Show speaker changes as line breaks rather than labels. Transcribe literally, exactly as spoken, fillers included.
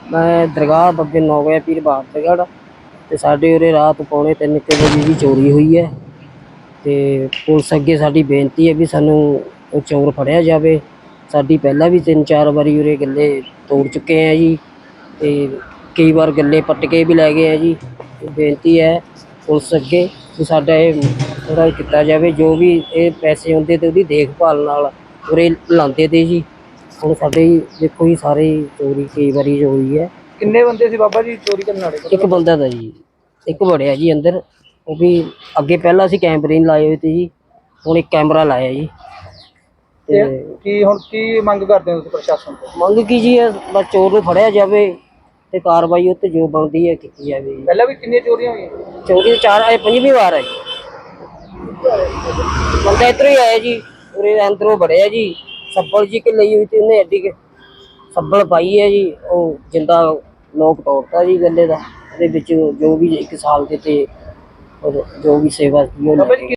मैं दरगाह बब्बे नौगया पीर बहादुरगढ़ ते साडे उरे रात पौने तीन के बजे दी चोरी हुई है ते पुलिस अगे साडी बेनती है भी सानू वो चोर फड़िया जावे। साडी पहला भी तीन चार बारी उरे गल्ले तोड़ चुके हैं जी ते कई बार गल्ले पट के भी लै गए हैं जी। बेनती है पुलिस अगे भी साडा ये थोड़ा किता जावे, जो भी ये पैसे आउंदे ते ओहदी देखभाल नाल उरे लांदे ते जी। हुण साडे देखो जी सारे चोरी कई बारी होई है।
किन्ने बंदे सी बाबा जी चोरी करने वाले?
एक बंदा था जी, एक वड़िया जी अंदर। वो भी अगे पहला असीं कैमरे नहीं लाए हुए थे जी, हुण एक कैमरा लाया जी।
ते की हुण की मंग करदे हो तुसीं प्रशासन तो?
मंग की जी है बस चोर नूं फड़िया जावे ते कार्रवाई उत्ते जो बनदी है कीती जावे जी।
पहले भी किन्नियां चोरियां होईयां?
चोरी चार अजे पंजवीं वार है जी। बंदा इधरों ही आया जी, उरे अंदरों वड़िया जी, सब्बल जी के लई हुई थी उन्हें एडी के सब्बल पाई है जी। वो जिंदा लोक तोड़ता जी गले का, जो भी एक साल के थे और जो भी सेवा की।